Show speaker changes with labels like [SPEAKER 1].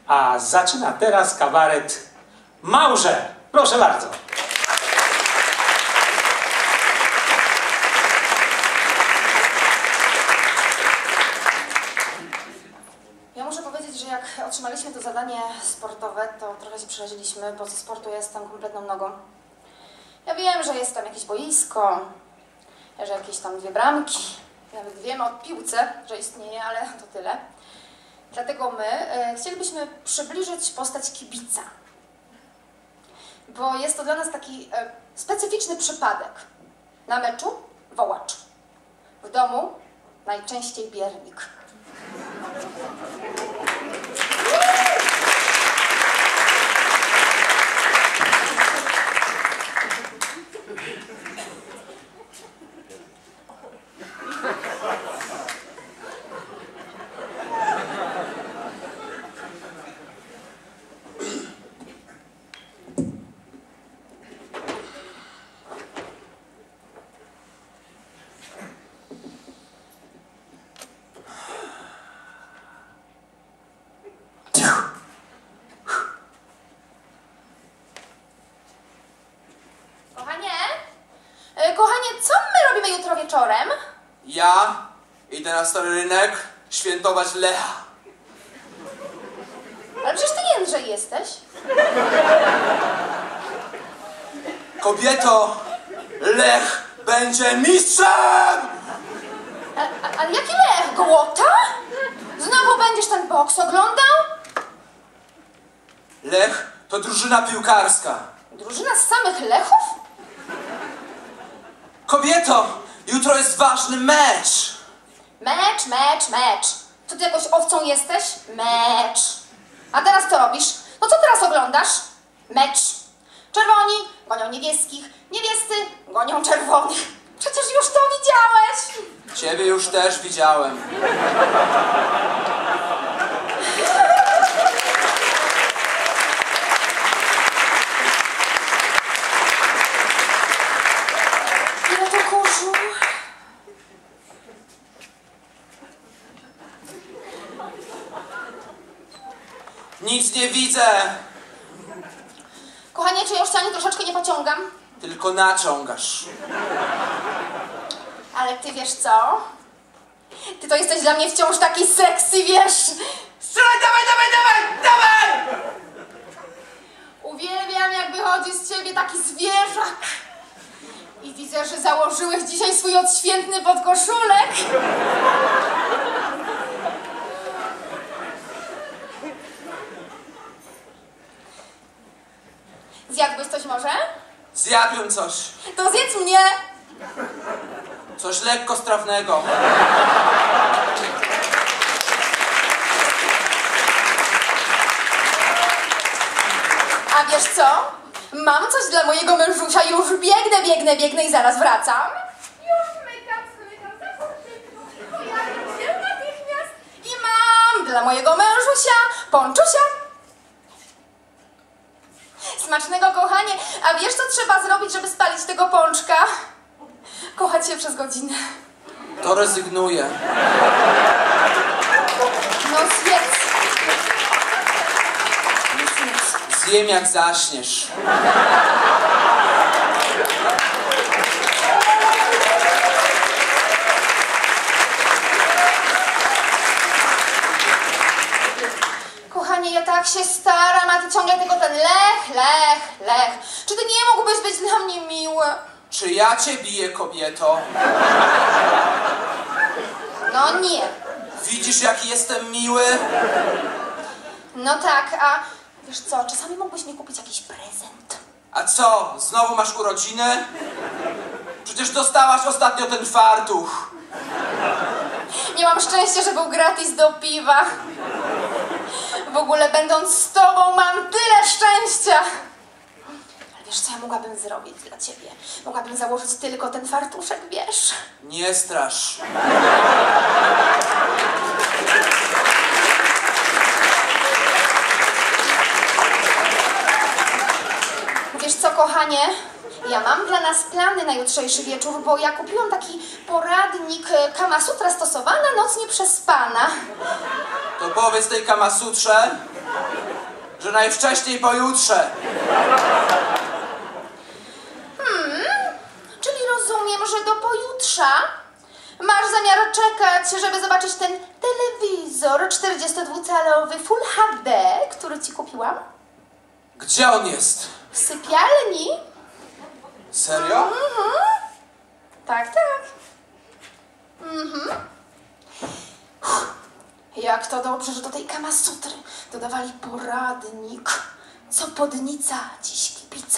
[SPEAKER 1] A zaczyna teraz kabaret Małże. Proszę bardzo.
[SPEAKER 2] Ja muszę powiedzieć, że jak otrzymaliśmy to zadanie sportowe, to trochę się przeraziliśmy, bo ze sportu ja jestem kompletną nogą. Ja wiem, że jest tam jakieś boisko, że jakieś tam 2 bramki, nawet wiemy o piłce, że istnieje, ale to tyle. Dlatego my chcielibyśmy przybliżyć postać kibica, bo jest to dla nas taki specyficzny przypadek. Na meczu wołacz, w domu najczęściej biernik. Kochanie, co my robimy jutro wieczorem?
[SPEAKER 3] Ja idę na Stary Rynek świętować Lecha.
[SPEAKER 2] Ale przecież ty Jędrzej jesteś.
[SPEAKER 3] Kobieto, Lech będzie mistrzem!
[SPEAKER 2] Ale jaki Lech? Głota? Znowu będziesz ten boks oglądał?
[SPEAKER 3] Lech to drużyna piłkarska.
[SPEAKER 2] Drużyna z samych Lechów?
[SPEAKER 3] Kobieto, jutro jest ważny mecz.
[SPEAKER 2] Mecz. To ty jakąś owcą jesteś? Mecz. A teraz co robisz? No co teraz oglądasz? Mecz. Czerwoni gonią niebieskich, niebiescy gonią czerwonych. Przecież już to widziałeś.
[SPEAKER 3] Ciebie już też widziałem.
[SPEAKER 2] Ile to kurzu?
[SPEAKER 3] Nic nie widzę,
[SPEAKER 2] Kochanie, czy ja już cię ani troszeczkę nie pociągam?
[SPEAKER 3] tylko naciągasz.
[SPEAKER 2] Ale ty wiesz co? Ty to jesteś dla mnie wciąż taki sexy, wiesz?
[SPEAKER 3] Strzelaj, dawaj!
[SPEAKER 2] Uwielbiam, jak wychodzi z ciebie taki zwierzak. I widzę, że założyłeś dzisiaj swój odświętny podkoszulek. Zjadłbyś coś może?
[SPEAKER 3] Zjadłem coś.
[SPEAKER 2] To zjedz mnie.
[SPEAKER 3] Coś lekko strawnego.
[SPEAKER 2] A wiesz co? Mam coś dla mojego mężusia, już biegnę i zaraz wracam. Już zmykam, za szybko, pojawię się natychmiast. I mam dla mojego mężusia ponczusia. Smacznego, kochanie. A wiesz, co trzeba zrobić, żeby spalić tego pączka? Kochać się przez godzinę.
[SPEAKER 3] To rezygnuję.
[SPEAKER 2] No zjedz.
[SPEAKER 3] Zjem jak zaśniesz.
[SPEAKER 2] Kochanie, ja tak się staram, a ty ciągle tylko ten Lech. Czy ty nie mógłbyś być dla mnie miły?
[SPEAKER 3] Czy ja cię biję, kobieto?
[SPEAKER 2] No nie.
[SPEAKER 3] Widzisz, jaki jestem miły?
[SPEAKER 2] No tak, a wiesz co, czasami mógłbyś mi kupić jakiś prezent.
[SPEAKER 3] A co, znowu masz urodziny? Przecież dostałaś ostatnio ten fartuch.
[SPEAKER 2] Miałam szczęście, że był gratis do piwa. W ogóle będąc z tobą mam tyle szczęścia. Ale wiesz co ja mogłabym zrobić dla ciebie? Mogłabym założyć tylko ten fartuszek, wiesz?
[SPEAKER 3] Nie strasz.
[SPEAKER 2] Wiesz co, kochanie? Ja mam dla nas plany na jutrzejszy wieczór, bo ja kupiłam taki poradnik Kama Sutra stosowana, noc nieprzespana.
[SPEAKER 3] To powiedz tej Kamasutrze, że najwcześniej pojutrze.
[SPEAKER 2] Czyli rozumiem, że do pojutrza masz zamiar czekać, żeby zobaczyć ten telewizor 42-calowy Full HD, który ci kupiłam?
[SPEAKER 3] Gdzie on jest?
[SPEAKER 2] W sypialni?
[SPEAKER 3] Serio?
[SPEAKER 2] Tak, tak. Jak to dobrze, że do tej Kamasutry dodawali poradnik. Co podnica, dziś kibica.